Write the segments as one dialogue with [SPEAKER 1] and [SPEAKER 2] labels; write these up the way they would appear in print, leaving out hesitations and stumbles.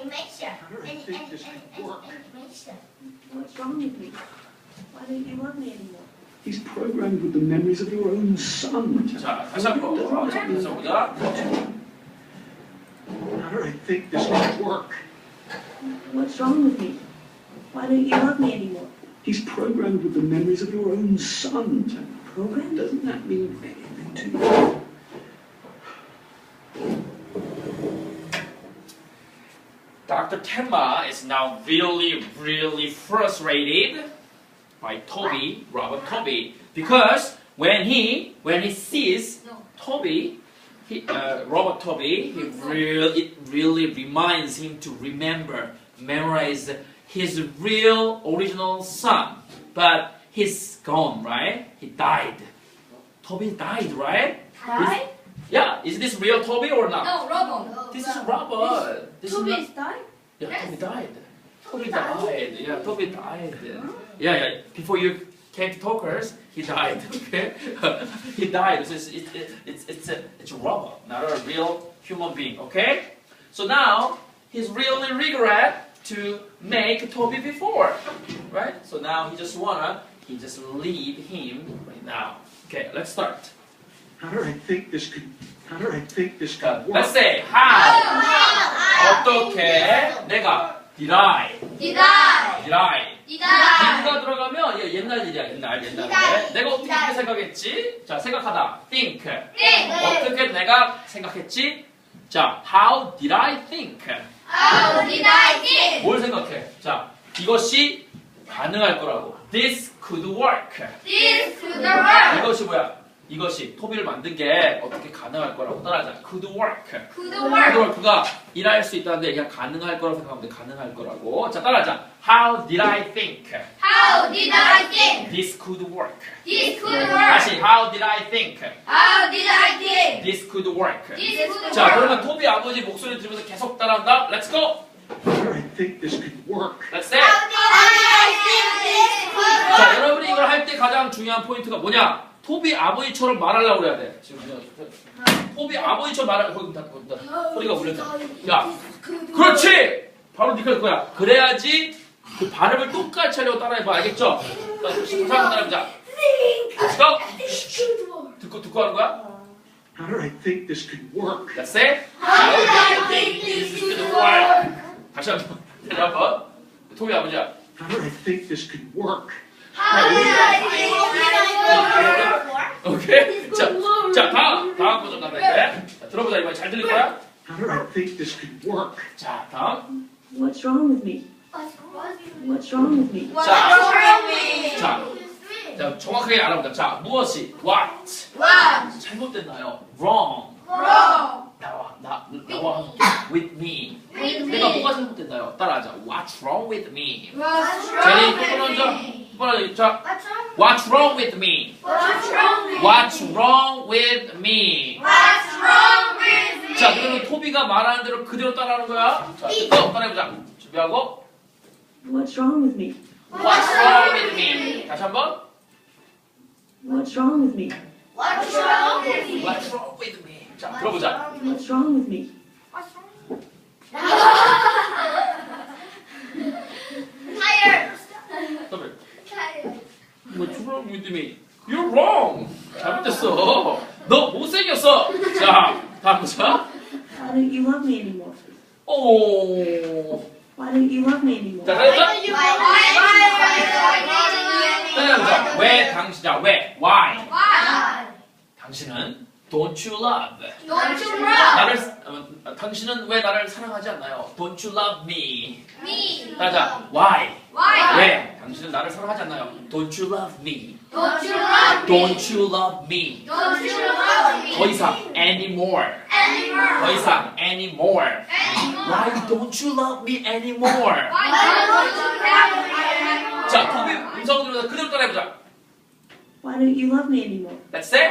[SPEAKER 1] animation.
[SPEAKER 2] What's wrong with me? Why don't you love me anymore?
[SPEAKER 3] He's programmed with the memories of your own son.
[SPEAKER 4] 자, 다시 한번 다시 보자.
[SPEAKER 3] How do I think this could work?
[SPEAKER 2] What's wrong with me? Why don't you love me anymore?
[SPEAKER 3] He's programmed with the memories of your own son.
[SPEAKER 2] Programmed?
[SPEAKER 3] Doesn't that mean anything to you?
[SPEAKER 4] Dr. Tenma is now really frustrated by Toby, Robert Toby, because when he sees Toby, Robert Toby, it really reminds him to memorize his real original son, but he's gone, right? He died. Toby died, right?
[SPEAKER 1] Died?
[SPEAKER 4] Yeah, is this real Toby or not?
[SPEAKER 1] No, Robert.
[SPEAKER 4] This is Robert. This is
[SPEAKER 1] Toby
[SPEAKER 4] not-
[SPEAKER 1] is died?
[SPEAKER 4] Yeah,
[SPEAKER 1] Yes.
[SPEAKER 4] Toby died. Toby died. Yeah, Toby died. Yeah. Before you came to Talkers, he died. Okay, he died. So it's a robot, not a real human being. Okay, so now he's really regret to make Toby before, right? So now he just leave him right now. Okay, let's start.
[SPEAKER 3] How do I think this could
[SPEAKER 4] 자,
[SPEAKER 3] work?
[SPEAKER 4] let's say how. 어떻게 내가 did I did가 들어가면 얘 옛날 일이야 옛날에 내가 어떻게 그렇게 생각했지? 자 생각하다 think 어떻게 내가 생각했지? 자 how did I think 뭘 생각해? 자 이것이 가능할 거라고 this could work 이것이 뭐야? 이것이 토비를 만든 게 어떻게 가능할 거라고 따라하자. could work. could work가 일할 수 있다는데 그냥 가능할 거라고 생각하면 돼. 가능할 거라고. 자 따라하자. How did I think? This could work. 다시 How did I think? This could work. 자 그러면 토비 아버지 목소리 들으면서 계속 따라한다. Let's go.
[SPEAKER 3] How do I think this could work?
[SPEAKER 4] Let's say. 자 여러분이 이걸 할 때 가장 중요한 포인트가 뭐냐? 토비 아버지처럼 말하려고 그래야 돼. 지금 토비 아버지처럼 말하려고 소리가 울렸잖아. 야, 그렇지. 바로 니가 그거야. 그래야지 그 발음을 똑같이 하려고 따라해봐. 알겠죠? 다시 한번 따라해보자. 듣고 하는 거야?
[SPEAKER 3] How do I think this could work?
[SPEAKER 4] Let's say. How do I think this could work? 다시 한번. 토비 아버지야.
[SPEAKER 3] How do I think this could work?
[SPEAKER 4] 오케이? 자, 다음 버전 간다 이제. 자, 들어보자 이번에 잘 들릴 거야?
[SPEAKER 3] How do I think this could work?
[SPEAKER 4] 자, 다음.
[SPEAKER 2] What's wrong with me? What's wrong with me?
[SPEAKER 4] 자, 정확하게 알아보자. 자, 무엇이 what? 잘못됐나요? wrong. 나와 with me. 내가 뭐가 잘못됐나요? 따라하자. What's wrong with me? 제리 똑바로 자, What's wrong with me? What's wrong with me? 자, 그러면 토비가 말하는 대로 그대로 따라하는 거야. 자, 또 따라해보자. 준비하고.
[SPEAKER 2] What's wrong with me?
[SPEAKER 4] What's wrong with me? 다시 한번.
[SPEAKER 2] What's wrong with me?
[SPEAKER 4] What's wrong with me? 자, 들어보자.
[SPEAKER 2] What's wrong with me?
[SPEAKER 4] 더블. What's wrong with me? You're wrong. 잘못됐어. 너 못생겼어. 자, 다음 보자.
[SPEAKER 2] Why don't you love me anymore?
[SPEAKER 4] 오.
[SPEAKER 2] Why don't you love me anymore?
[SPEAKER 4] 자, 따라해보자. 왜 당신, 자, 왜? Why? 당신은 don't you love? 당신은 왜 나를 사랑하지 않나요? Don't you love me? 따라하자. Why? 왜? 당신은 나를 사랑하지 않나요? Don't you love me? Don't you love me? 더 이상 anymore. 더 이상 anymore. Why don't you love me anymore? 자, 토비 음성 들으면서 그대로 따라해보자.
[SPEAKER 2] Why don't you love me anymore?
[SPEAKER 4] Let's say.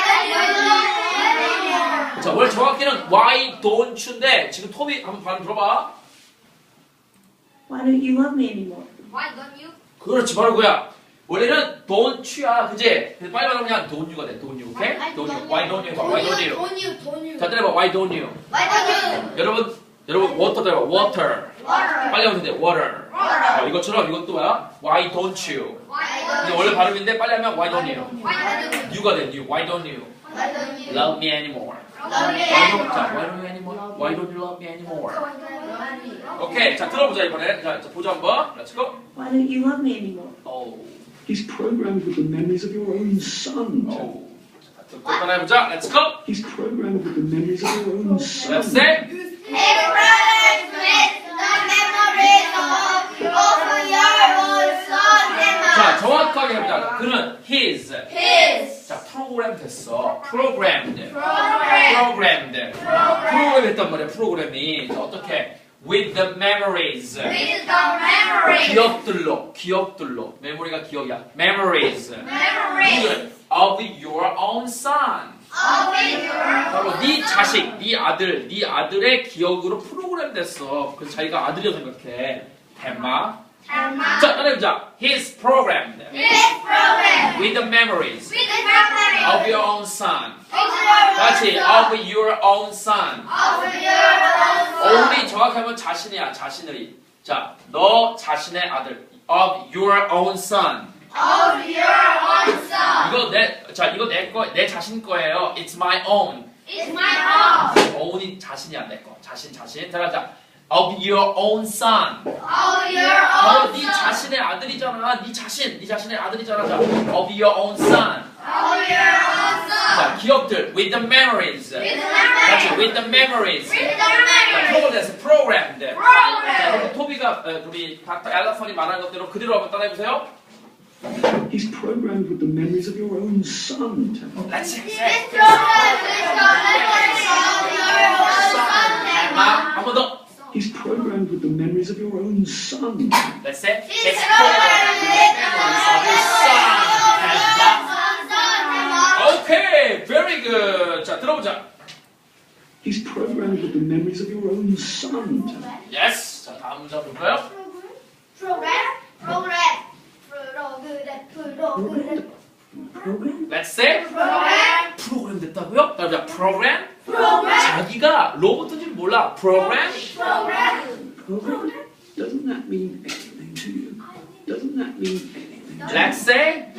[SPEAKER 4] 자, 원래 정확히는 why don't you인데 지금 토비 한번 발음 들어봐.
[SPEAKER 2] Why don't you love me anymore?
[SPEAKER 4] 그렇지, 바로 그거야. 원래는 don't you야, 그지? 근데 빨리 말하면 그냥 don't you가 돼. don't you, 오케이? don't you. Why don't you? Why don't you? 자, 때려봐. Why don't you? 여러분 여러분 water대로 water. 빨리 하면 돼. water. 이것처럼 이것도 뭐야? Why don't you? 근데 원래 발음인데 빨리 하면 why don't you? You가 돼. You. Why don't you? Love me anymore. Why don't you anymore? Why don't you love me anymore? 오케이, 자 들어보자 이번에. 자 보자 한번. Let's go.
[SPEAKER 2] Why don't you love me anymore?
[SPEAKER 4] Oh,
[SPEAKER 3] He's programmed with the memories of your own son.
[SPEAKER 4] oh. 자, 또 따라해보자. Let's go.
[SPEAKER 3] He's programmed with the memories of your own son.
[SPEAKER 4] Let's say. 자, 정확하게 해보자. 그는 his. 자, 프로그램 됐어. programmed. 프로그램 했단 말이야. 프로그램이. 자, 어떻게? With the memories. 기억들로. 메모리가 기억이야. Memories. Of your own son. 바로 네 자식, 네 아들의 기억으로 프로그램 됐어. 그래서 자기가 아들이라고 생각해. 템마. 자, 따라해보자. He's programmed with the memories of your own son. 같이 of your own son. only 정확하면 자신이야, 자신의. 자, 너 자신의 아들. of your own son. 이거 내 자신 거예요. It's my own. own이 자신이야, 내 거. 자신. 따라하자. of your own son. 바로 네 자신의 아들이잖아. 네 자신의 아들이잖아. 자, of your own son. 자, 기억들. with the memories. 같이 with the memories. 자, programmed. 자, 여러분 토비가 우리 닥터 앨러슨이 말한 것대로 그대로 한번 따라해보세요.
[SPEAKER 3] He's programmed with the memories of your own son.
[SPEAKER 4] Let's say. 한 번 더.
[SPEAKER 3] He's programmed with the memories of your own son.
[SPEAKER 4] Let's say. He's programmed with the memories of your son. Okay, very good. 자, 들어보자.
[SPEAKER 3] He's programmed with the memories of your own son.
[SPEAKER 4] Yes. 자, 다음 문장 볼까요?
[SPEAKER 2] Program?
[SPEAKER 4] Let's say. 프로그램 됐다고요? 따라해보자. 프로그램. 자기가 로봇인 줄 몰라. 프로그램.
[SPEAKER 2] Program?
[SPEAKER 3] Doesn't that mean anything to you? Doesn't that mean anything to you?
[SPEAKER 4] Let's say.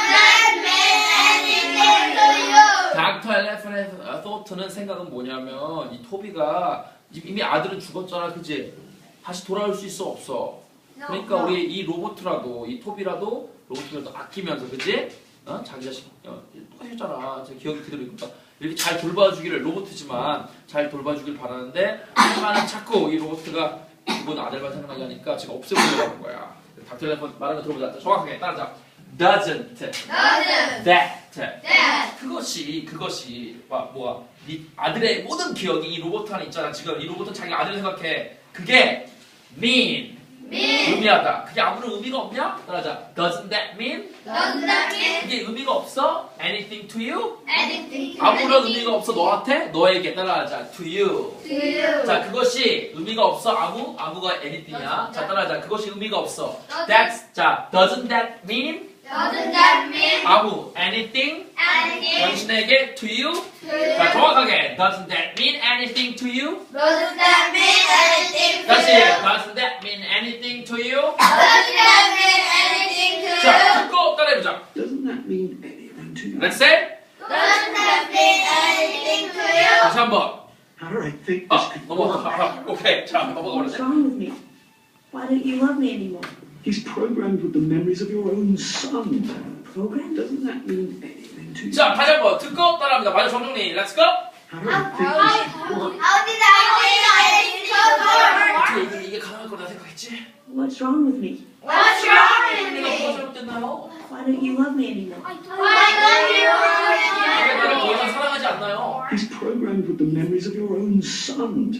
[SPEAKER 4] 닥터 엘레펀의 thought는 생각은 뭐냐면 이 토비가 이미 아들은 죽었잖아, 그지? 다시 돌아올 수 있어 없어? 그러니까 우리 이 로봇이라도 이 토비라도 로봇이라도 아끼면서, 그지? 자기 자식 똑같았잖아. 제 기억이 그대로 있니까 이렇게 잘 돌봐주기를, 로봇이지만 잘 돌봐주길 바라는데 하나는 자꾸 이 로봇가 이번 아들만 생각나게 하니까 지금 없애보려고 하는 거야. 닥터 엘레펀 말하는 거 들어보자. 정확하게 따라자. Doesn't that 그것이 뭐야? 네 아들의 모든 기억이 이 로봇 안에 있잖아. 지금 이 로봇은 자기 아들을 생각해. 그게 mean 의미하다. 그게 아무런 의미가 없냐? 따라하자. Doesn't that mean? 그게 의미가 없어? Anything to you? 아무런 의미가 없어 너한테? 너에게. 따라하자. To you. 자, 그것이 의미가 없어. 아무가 anything이야. 자, 따라하자. 그것이 의미가 없어. 자, doesn't that mean? 아무 anything? 당신에게 to you? 자, 정확하게 doesn't that mean anything to you? 다시 doesn't that mean anything to you? 자, 듣고 따라해보자.
[SPEAKER 3] Doesn't that mean anything to you?
[SPEAKER 4] Let's say. 다시 한번.
[SPEAKER 3] How do I think this could work?
[SPEAKER 4] 넘어가. 오케이. 자, 넘어가
[SPEAKER 2] What's
[SPEAKER 4] 버렸네.
[SPEAKER 2] wrong with me? Why don't you love me anymore?
[SPEAKER 3] He's programmed with the memories of your own son.
[SPEAKER 2] Program?
[SPEAKER 3] Doesn't that mean anything to you?
[SPEAKER 4] 자, 다시 한번 듣고 따라합니다. 마저 정정리. Let's go.
[SPEAKER 3] How do I think this could work?
[SPEAKER 4] 어떻게 이게 가능할 거라 생각했지?
[SPEAKER 2] What's wrong with me?
[SPEAKER 4] 내가 뭐가 잘못됐나요?
[SPEAKER 2] Why don't you love me anymore?
[SPEAKER 4] 내가 너를 더 이상 사랑하지 않나요?
[SPEAKER 3] He's programmed with the memories of your own son.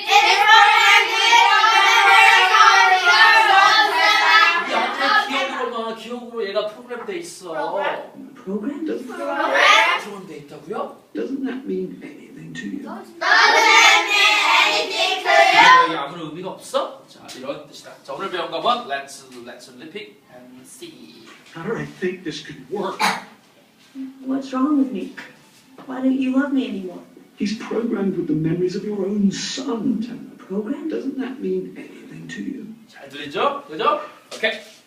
[SPEAKER 4] 기억으로 얘가 프로그램돼 있어.
[SPEAKER 2] Program?
[SPEAKER 4] 프로그램돼 있다고요?
[SPEAKER 3] Doesn't that mean anything to you?
[SPEAKER 4] 이게 아무런 의미가 없어? 자, 이런 뜻이다. 자, 오늘 배운 거는 let's repeat and see.
[SPEAKER 3] How do I think this could work?
[SPEAKER 2] What's wrong with me? Why don't you love me anymore?
[SPEAKER 3] He's programmed with the memories of your own son.
[SPEAKER 2] program?
[SPEAKER 3] Doesn't that mean anything to you?
[SPEAKER 4] 잘 들리죠? 그죠? 오케이.